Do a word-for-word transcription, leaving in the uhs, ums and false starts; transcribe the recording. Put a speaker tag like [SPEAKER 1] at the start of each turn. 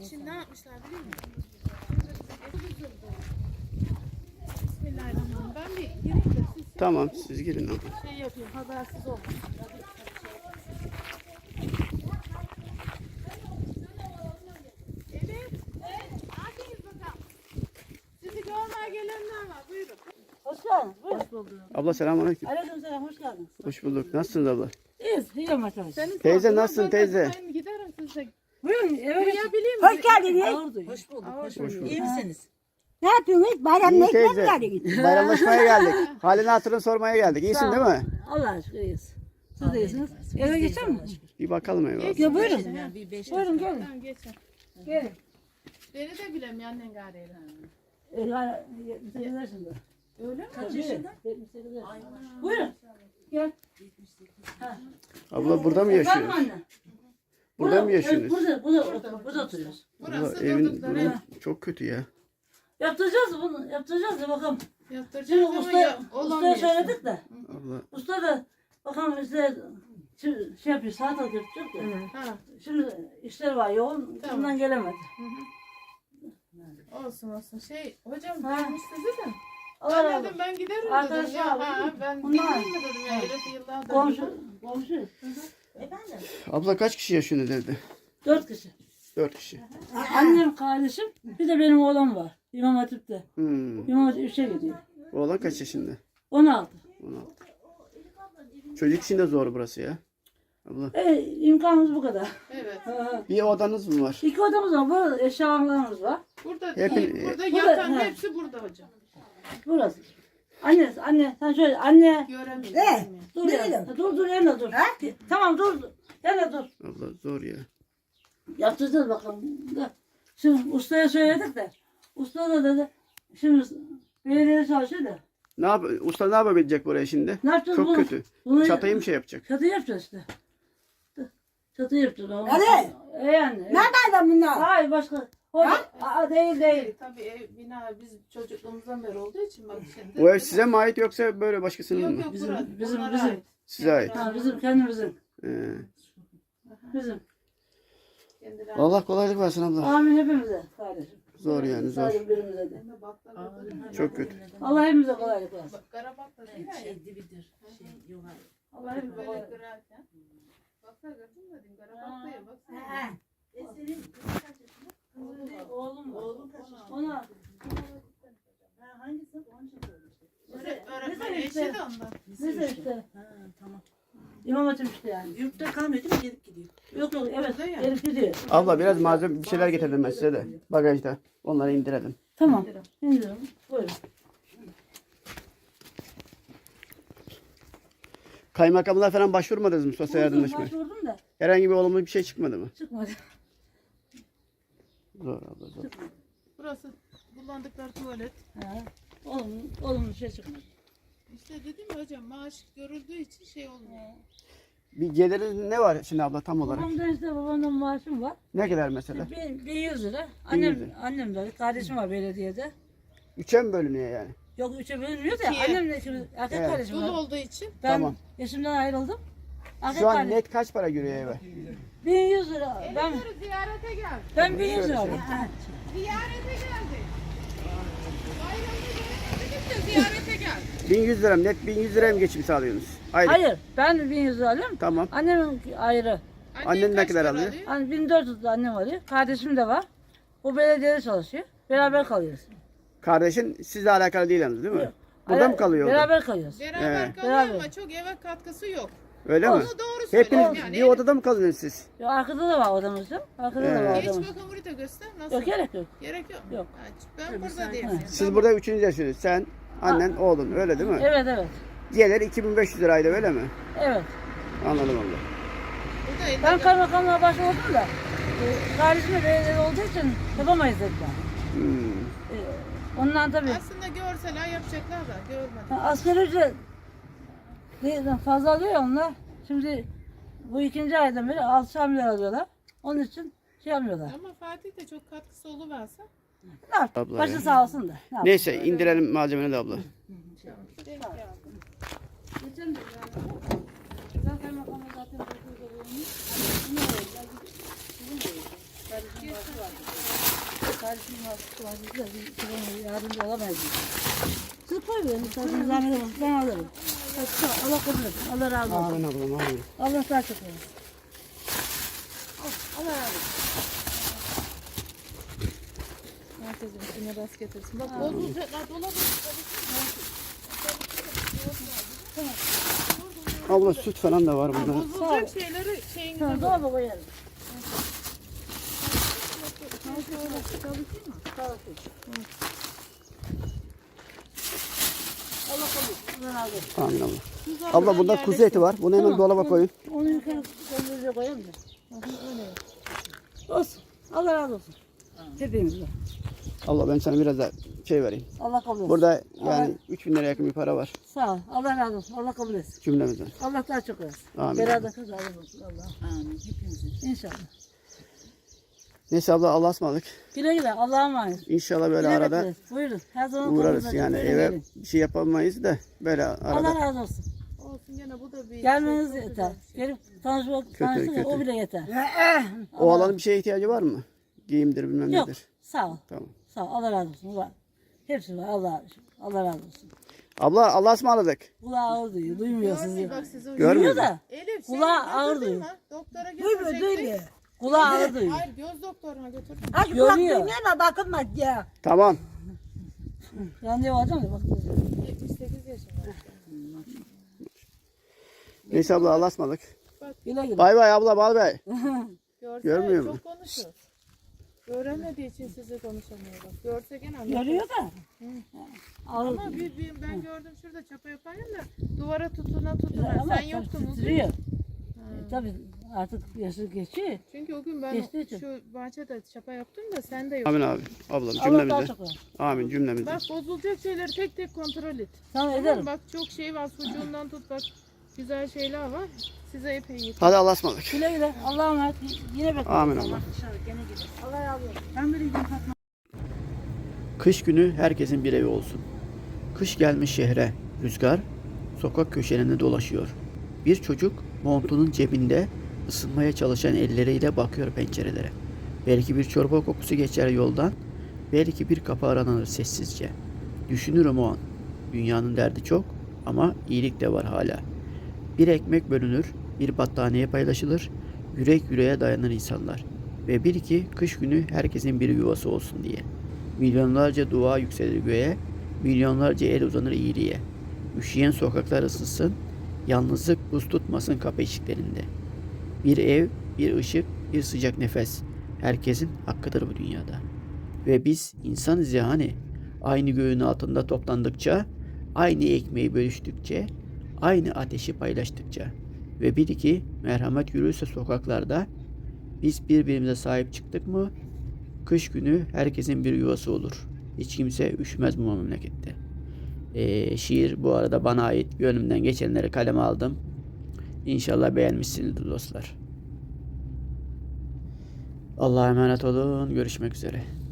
[SPEAKER 1] Şimdi ne yapmışlar biliyor musun? Bismillahirrahmanirrahim. Ben bir gireyim de siz
[SPEAKER 2] Tamam siz girin abla.
[SPEAKER 1] şey yapayım, habersiz olmayın. Evet. Akiniz bakalım. Sizi görmeye gelenler var. Buyurun.
[SPEAKER 3] Hoş geldiniz. Buyurun. Hoş bulduk.
[SPEAKER 2] Abla selamünaleyküm.
[SPEAKER 3] Aleykümselam, hoş geldiniz.
[SPEAKER 2] Hoş bulduk. Nasılsınız abla?
[SPEAKER 3] İyiyiz, iyiyim arkadaş.
[SPEAKER 1] Senin
[SPEAKER 2] Teyze,
[SPEAKER 1] sağlığına
[SPEAKER 2] nasılsın
[SPEAKER 1] ben
[SPEAKER 2] teyze?
[SPEAKER 1] Ben giderim size.
[SPEAKER 3] Buyurun, evet.
[SPEAKER 1] Duyabileyim
[SPEAKER 3] Hoş geldiniz.
[SPEAKER 4] Hoş bulduk.
[SPEAKER 1] Hoş
[SPEAKER 4] Hoş bulduk. İyi misiniz?
[SPEAKER 3] Ne yapıyorsunuz? Bayramda
[SPEAKER 2] İyi
[SPEAKER 3] ekmek mi
[SPEAKER 2] teyze.
[SPEAKER 3] geldiniz?
[SPEAKER 2] Bayramlaşmaya geldik. Halini hatırını sormaya geldik. İyisin değil mi?
[SPEAKER 3] Allah aşkına iyiyiz. Siz de iyisiniz. Eve geçer mi?
[SPEAKER 2] Bir bakalım eyvallah.
[SPEAKER 3] Ya buyurun.
[SPEAKER 4] Yani bir beş
[SPEAKER 3] Buyurun gelin.
[SPEAKER 1] Tamam geçin.
[SPEAKER 3] Gelin.
[SPEAKER 1] Beni de bilem annen gariyle.
[SPEAKER 3] Ee, yani yetmiş sekiz yaşında.
[SPEAKER 1] Öyle mi?
[SPEAKER 3] Kaç yaşında? yetmiş sekiz yaşında. Buyurun. Gel.
[SPEAKER 2] Abla burada mı
[SPEAKER 3] Efendim
[SPEAKER 2] yaşıyorsunuz?
[SPEAKER 3] anne.
[SPEAKER 2] Burada mı
[SPEAKER 3] evet,
[SPEAKER 2] yaşıyorsunuz?
[SPEAKER 3] Burada, burada, burada, burada oturuyoruz.
[SPEAKER 2] Abla
[SPEAKER 1] Burası
[SPEAKER 2] evin
[SPEAKER 1] durdukları.
[SPEAKER 2] durumu çok kötü ya.
[SPEAKER 3] Yaptıracağız bunu, yaptıracağız da bakalım. Şimdi
[SPEAKER 1] Yaptıracağız ama
[SPEAKER 3] usta,
[SPEAKER 1] ya,
[SPEAKER 3] ustaya
[SPEAKER 1] olamıyor.
[SPEAKER 3] söyledik de.
[SPEAKER 2] Abla
[SPEAKER 3] Usta da bakalım işte şey şey yapıyor, saat alıyor tutacak da.
[SPEAKER 1] Ha,
[SPEAKER 3] Şimdi işler var yoğun,
[SPEAKER 1] Tamam.
[SPEAKER 3] bundan gelemedi.
[SPEAKER 1] olsun olsun. Şey hocam
[SPEAKER 3] Ha.
[SPEAKER 1] görmüş sizi de.
[SPEAKER 3] Allah
[SPEAKER 1] Ben
[SPEAKER 3] razı
[SPEAKER 1] dedim
[SPEAKER 3] olsun.
[SPEAKER 1] ben giderim
[SPEAKER 3] Arkadaş
[SPEAKER 1] dedim ya.
[SPEAKER 3] var,
[SPEAKER 1] Ha,
[SPEAKER 3] değil mi?
[SPEAKER 1] ben
[SPEAKER 3] Bunlar.
[SPEAKER 1] bilmiyorum mu dedim ya. Herif yıllardır.
[SPEAKER 3] Komşu, komşu.
[SPEAKER 2] abla kaç kişi yaşıyorsunuz evde?
[SPEAKER 3] Dört kişi.
[SPEAKER 2] Dört kişi.
[SPEAKER 3] Annem, kardeşim, bir de benim oğlum var. İmam Hatip'te.
[SPEAKER 2] Hmm.
[SPEAKER 3] İmam Hatip üçe gidiyor.
[SPEAKER 2] Oğlan kaç yaşında?
[SPEAKER 3] On altı.
[SPEAKER 2] on altı. Çocuk için de zor burası ya. Abla.
[SPEAKER 3] E, imkanımız bu kadar.
[SPEAKER 1] Evet.
[SPEAKER 3] Ha.
[SPEAKER 2] Bir odanız mı var?
[SPEAKER 3] İki odamız var, burada eşyalarımız var.
[SPEAKER 1] Burada
[SPEAKER 2] Hep-
[SPEAKER 1] değil. Burada
[SPEAKER 3] Burada-
[SPEAKER 1] yatan
[SPEAKER 3] ha.
[SPEAKER 1] hepsi burada hocam.
[SPEAKER 3] Burası. Anne, anne sen şöyle, anne.
[SPEAKER 1] Göremiyorum.
[SPEAKER 5] Ne?
[SPEAKER 3] Dur ya. Dur dur yanına dur. Tamam dur. Yanına dur.
[SPEAKER 2] Abla zor ya.
[SPEAKER 3] Yaptıracağız bakalım. Da. Şimdi ustaya söyledik de. Usta da dedi. Şimdi belediyede çalışıyor da.
[SPEAKER 2] Ne yap usta ne yapabilecek buraya şimdi?
[SPEAKER 3] Ne yapacağız
[SPEAKER 2] Çok
[SPEAKER 3] bunu?
[SPEAKER 2] kötü.
[SPEAKER 3] Bunu-
[SPEAKER 2] Çatayı mı şey yapacak?
[SPEAKER 3] Çatı yapacağız işte. Çatı yapacağız. Ama.
[SPEAKER 5] Hadi.
[SPEAKER 3] E yani.
[SPEAKER 5] Nereden bunlar?
[SPEAKER 3] Hayır başka. Hoca, aa, değil değil.
[SPEAKER 1] Tabii ev, bina biz çocukluğumuzdan beri olduğu için bak şimdi.
[SPEAKER 2] Bu ev size mi ait yoksa böyle başkasının
[SPEAKER 1] Yok
[SPEAKER 2] mı?
[SPEAKER 1] yok
[SPEAKER 3] Bizim-
[SPEAKER 1] bizim,
[SPEAKER 3] bizim-
[SPEAKER 1] onlara
[SPEAKER 3] bizim.
[SPEAKER 1] ait.
[SPEAKER 2] Size ait.
[SPEAKER 3] Ha, bizim kendimizin.
[SPEAKER 2] Ee,
[SPEAKER 3] Bizim.
[SPEAKER 1] Kendileri
[SPEAKER 2] Allah kolaylık versin abla.
[SPEAKER 3] Amin hepimize kardeşim.
[SPEAKER 2] Zor yani zor.
[SPEAKER 3] Sadece birimize de.
[SPEAKER 2] Çok kötü.
[SPEAKER 3] Allah hepimize kolaylık versin.
[SPEAKER 1] Bak Karabak'ta değil mi?
[SPEAKER 4] Şey dibidir. Şey yuvar.
[SPEAKER 3] Allah hepimize
[SPEAKER 1] Böyle
[SPEAKER 3] kolaylık
[SPEAKER 1] kırarken. Baksana gördün mü dedim Karabak'ta ya baksana.
[SPEAKER 5] Ha.
[SPEAKER 3] Oğlum var. Ona.
[SPEAKER 1] Öğretmen eşi de ondan.
[SPEAKER 3] Neyse işte.
[SPEAKER 4] Ha, tamam.
[SPEAKER 3] İmam Hatip işte yani.
[SPEAKER 4] Yurtta kalmıyor değil mi? Gelip gidiyor.
[SPEAKER 3] Yok yok evet.
[SPEAKER 1] Burada ya.
[SPEAKER 3] Gelip gidiyor.
[SPEAKER 2] Abla biraz malzeme bir şeyler getirdim ben size de. Bagajda. Onları indirelim.
[SPEAKER 3] Tamam. İndirelim. Buyurun.
[SPEAKER 2] Kaymakamlığa falan başvurmadınız mı sosyal yardımlaşmaya?
[SPEAKER 3] Başvurdum da
[SPEAKER 2] Herhangi bir olumlu bir şey çıkmadı mı?
[SPEAKER 3] çıkmadı.
[SPEAKER 2] Zor abla zor.
[SPEAKER 1] Burası kullandıkları tuvalet.
[SPEAKER 3] Ha. Oğlum, oğlum bir şey çıkmadı.
[SPEAKER 1] İşte dedim ya hocam maaş görüldüğü için şey olmuyor.
[SPEAKER 2] Bir geliri ne var şimdi abla tam olarak?
[SPEAKER 3] Babamdan işte babamdan maaşım var.
[SPEAKER 2] Ne kadar mesela?
[SPEAKER 3] Bin, bin yüz lira.
[SPEAKER 2] Bin yüz
[SPEAKER 3] Annem,
[SPEAKER 2] lira.
[SPEAKER 3] annem de kardeşim var belediyede.
[SPEAKER 2] Üçe mi bölünüyor yani?
[SPEAKER 3] Yok üçe bölünmüyor da
[SPEAKER 1] İkiye.
[SPEAKER 3] annemle şimdi erkek
[SPEAKER 2] Evet.
[SPEAKER 3] kardeşim
[SPEAKER 1] Dolu
[SPEAKER 3] var.
[SPEAKER 1] olduğu için
[SPEAKER 3] Ben
[SPEAKER 2] Tamam.
[SPEAKER 3] eşimden ayrıldım. Erkek
[SPEAKER 2] Şu an
[SPEAKER 3] kardeşim.
[SPEAKER 2] net kaç para giriyor eve?
[SPEAKER 3] bin yüz lira. Ben,
[SPEAKER 1] Elifleri ziyarete geldi.
[SPEAKER 3] ben bin yüz lira alıyorum.
[SPEAKER 1] Ziyarete geldi. Bayramda gelemedi de ziyarete geldi.
[SPEAKER 2] bin yüz lira net bin yüz liraya mı geçim sağlıyorsunuz? Aylık.
[SPEAKER 3] Hayır ben bin yüz lira alıyorum.
[SPEAKER 2] Tamam.
[SPEAKER 3] Annemin ayrı.
[SPEAKER 2] Annen ne
[SPEAKER 1] kaç
[SPEAKER 2] kadar
[SPEAKER 1] para
[SPEAKER 2] alıyor?
[SPEAKER 3] Hani bin dört yüz de annem alıyor. Kardeşim de var. O belediyede çalışıyor. Beraber kalıyoruz.
[SPEAKER 2] Kardeşin sizle alakalı değil yalnız değil mi?
[SPEAKER 3] Yok.
[SPEAKER 2] Burada
[SPEAKER 3] Ara-
[SPEAKER 2] mı kalıyor? o da?
[SPEAKER 3] Beraber kalıyoruz.
[SPEAKER 1] Beraber
[SPEAKER 2] Evet.
[SPEAKER 1] kalıyor
[SPEAKER 3] Beraber.
[SPEAKER 1] ama çok eve katkısı yok.
[SPEAKER 2] Öyle mi?
[SPEAKER 1] Onu doğru söylüyorum
[SPEAKER 2] Hepiniz
[SPEAKER 1] yani.
[SPEAKER 2] bir odada mı kalıyorsunuz siz?
[SPEAKER 3] Ya arkada da var odamızda. Arkada da var
[SPEAKER 2] Evet.
[SPEAKER 1] Geç
[SPEAKER 3] odamız.
[SPEAKER 1] bakalım burayı da göster. Nasıl?
[SPEAKER 3] Yok gerek yok.
[SPEAKER 1] Gerek yok.
[SPEAKER 3] Yok.
[SPEAKER 1] Ha, Ben burada diyeyim.
[SPEAKER 2] Siz burada üçüncü yaşıyorsunuz. Sen, annen, oğlun öyle değil mi?
[SPEAKER 3] Evet evet.
[SPEAKER 2] Diğerleri iki bin beş yüz liraydı öyle mi?
[SPEAKER 3] Evet.
[SPEAKER 2] Anladım abla.
[SPEAKER 1] Burada elde
[SPEAKER 3] Ben kaymakamlığa başvurdum da e, kardeşim de belediyede olduğu için yapamayız dediler.
[SPEAKER 2] Hmm.
[SPEAKER 3] E, ondan tabii.
[SPEAKER 1] aslında görseler yapacaklar da görmedim.
[SPEAKER 3] Ha, asgari ücret de- fazla alıyor ya onlar. Şimdi bu ikinci aydan beri altı milyar alıyorlar. Onun için şey yapmıyorlar.
[SPEAKER 1] Ama Fatih de çok katkısı oluverse.
[SPEAKER 3] Ne yap?
[SPEAKER 2] Abla
[SPEAKER 3] Başı
[SPEAKER 2] ya.
[SPEAKER 3] sağ olsun da. Ne yap?
[SPEAKER 2] Neyse indirelim malzemeni de abla.
[SPEAKER 1] Denk geldi.
[SPEAKER 3] Geçen de yani, ben kaymakamla zaten dokuz yıl olmuş. Hani, ne olacak? Bizim de öyle. Kardeşim Kardeşim var. Biz yardımcı olamayız. Siz koymayın. Siz zahmet olmaz. Ben alırım. Allah kabul etsin. Allah razı olsun.
[SPEAKER 2] Amin ablam amin.
[SPEAKER 3] Allah sağ çok olsun. Allah razı olsun.
[SPEAKER 1] Merkezim içine rast getirsin. Bak bozulacaklar dolabı.
[SPEAKER 2] Abla süt falan da var burada.
[SPEAKER 1] Bozulacak şeyleri şeyinize
[SPEAKER 3] Tamam,
[SPEAKER 1] koyun.
[SPEAKER 3] dolaba koyarım. Allah kabul etsin. Allah razı olsun.
[SPEAKER 2] Amin abla.
[SPEAKER 1] Güzel
[SPEAKER 2] Abla
[SPEAKER 1] bir
[SPEAKER 2] burada
[SPEAKER 1] yerleştir.
[SPEAKER 2] kuzu eti var. Bunu hemen dolaba koyun.
[SPEAKER 3] Onu yukarı dondurucuya koyalım da. Olsun. Allah razı olsun. Hepimizden.
[SPEAKER 2] Abla ben sana biraz da şey vereyim.
[SPEAKER 3] Allah kabul etsin.
[SPEAKER 2] Burada yani üç bin lira yakın bir para var
[SPEAKER 3] Sağ ol. Allah razı olsun. Allah kabul etsin.
[SPEAKER 2] cümlemizden.
[SPEAKER 3] Allah daha çok versin.
[SPEAKER 2] Amin.
[SPEAKER 3] Beraber kazanır olsun Allah.
[SPEAKER 4] Amin. Hepimizin.
[SPEAKER 3] İnşallah.
[SPEAKER 2] Neyse abla Allah'a ısmarladık.
[SPEAKER 3] Güle güle. Allah'a emanet.
[SPEAKER 2] İnşallah böyle
[SPEAKER 3] Güle
[SPEAKER 2] arada
[SPEAKER 3] bekleriz. Buyurun. Her zaman
[SPEAKER 2] uğrarız
[SPEAKER 3] kapınızda
[SPEAKER 2] yani
[SPEAKER 3] açık.
[SPEAKER 2] eve
[SPEAKER 3] Gelin.
[SPEAKER 2] bir şey yapamayız da böyle
[SPEAKER 3] Allah
[SPEAKER 2] arada.
[SPEAKER 3] razı olsun.
[SPEAKER 1] Olsun gene bu da bir
[SPEAKER 3] Gelmeniz
[SPEAKER 1] şey, çok
[SPEAKER 3] yeter.
[SPEAKER 1] güzel bir şey.
[SPEAKER 3] Gelip tanışmak, tanışmak o
[SPEAKER 2] kötü.
[SPEAKER 3] bile yeter.
[SPEAKER 2] O alanın bir şeye ihtiyacı var mı? Giyimdir bilmem
[SPEAKER 3] Yok.
[SPEAKER 2] nedir.
[SPEAKER 3] Sağ ol.
[SPEAKER 2] Tamam.
[SPEAKER 3] Sağ ol. Allah razı olsun. Var. Hepsi var. Allah, Allah razı olsun.
[SPEAKER 2] Abla Allah'a ısmarladık.
[SPEAKER 3] Kulağı ağır duyuyor. Duymuyor sizi.
[SPEAKER 1] Görmüyor bak sizi.
[SPEAKER 2] Görmüyor
[SPEAKER 3] Duyuyor
[SPEAKER 2] mu?
[SPEAKER 3] da.
[SPEAKER 1] Elif
[SPEAKER 3] Kulağı
[SPEAKER 1] seni
[SPEAKER 3] ağır
[SPEAKER 1] götürdün
[SPEAKER 3] duyuyor.
[SPEAKER 1] mü? Doktora
[SPEAKER 5] Duymuyor,
[SPEAKER 1] götürecektik.
[SPEAKER 5] duymuyor.
[SPEAKER 3] Kulağı ağır duyuyor.
[SPEAKER 1] Hayır göz doktoruna götürdüm.
[SPEAKER 5] Hadi kulak
[SPEAKER 3] Görüyor.
[SPEAKER 5] duymuyor ama bakılmaz ya.
[SPEAKER 2] Tamam.
[SPEAKER 3] Randevu alacağım ya. Bak.
[SPEAKER 1] yetmiş sekiz yaşında.
[SPEAKER 2] Neyse abla Allah'a ısmarladık.
[SPEAKER 3] Güle güle.
[SPEAKER 2] Bay bay abla bay bay.
[SPEAKER 1] Görse
[SPEAKER 2] Görmüyor
[SPEAKER 1] çok
[SPEAKER 2] mu?
[SPEAKER 1] konuşuyor. Göremediği için sizi konuşamıyor bak. Görse gene anlatır.
[SPEAKER 3] Görüyor da. Ağır
[SPEAKER 1] Ama
[SPEAKER 3] duyuyor.
[SPEAKER 1] bir, bir, ben gördüm şurada çapa yaparken de duvara tutuna tutuna.
[SPEAKER 3] Ama
[SPEAKER 1] Sen yoktun uzun.
[SPEAKER 3] titriyor. E, tabii artık yaşı geçiyor.
[SPEAKER 1] Çünkü o gün ben
[SPEAKER 3] Geçtiği için.
[SPEAKER 1] şu bahçede çapa yaptım da sen de yoktun.
[SPEAKER 2] Amin abi. Ablam
[SPEAKER 3] Allah daha
[SPEAKER 2] cümlemizden.
[SPEAKER 3] çok versin.
[SPEAKER 2] Amin cümlemizden.
[SPEAKER 1] Bak bozulacak şeyleri tek tek kontrol et.
[SPEAKER 3] Tamam
[SPEAKER 1] Tamam,
[SPEAKER 3] ederim.
[SPEAKER 1] bak çok şey var sucuğundan tut bak. Güzel şeyler var. Size epey yeter.
[SPEAKER 2] Hadi Allah'a ısmarladık.
[SPEAKER 3] Güle güle. Allah'a emanet. Yine bekliyorum.
[SPEAKER 2] Amin abla.
[SPEAKER 3] Allah razı olsun.
[SPEAKER 5] Ben böyle gideyim Fatma.
[SPEAKER 2] Kış günü herkesin bir evi olsun. Kış gelmiş şehre. Rüzgar sokak köşelerinde dolaşıyor. Bir çocuk montunun cebinde ısınmaya çalışan elleriyle bakıyor pencerelere. Belki bir çorba kokusu geçer yoldan. Belki bir kapı aranır sessizce. Düşünürüm o an. Dünyanın derdi çok ama iyilik de var hala. Bir ekmek bölünür, bir battaniye paylaşılır. Yürek yüreğe dayanır insanlar. Ve bil ki kış günü herkesin bir yuvası olsun diye. Milyonlarca dua yükselir göğe, milyonlarca el uzanır iyiliğe. Üşüyen sokaklar ısınsın, yalnızlık buz tutmasın kapı eşiklerinde. Bir ev, bir ışık, bir sıcak nefes. Herkesin hakkıdır bu dünyada. Ve biz insanız ya hani. Aynı göğün altında toplandıkça, aynı ekmeği bölüştükçe, aynı ateşi paylaştıkça. Ve bil ki merhamet yürürse sokaklarda, biz birbirimize sahip çıktık mı, kış günü herkesin bir yuvası olur. Hiç kimse üşümez bu memlekette. Ee, şiir bu arada bana ait. Gönlümden geçenleri kaleme aldım. İnşallah beğenmişsinizdir dostlar. Allah'a emanet olun. Görüşmek üzere.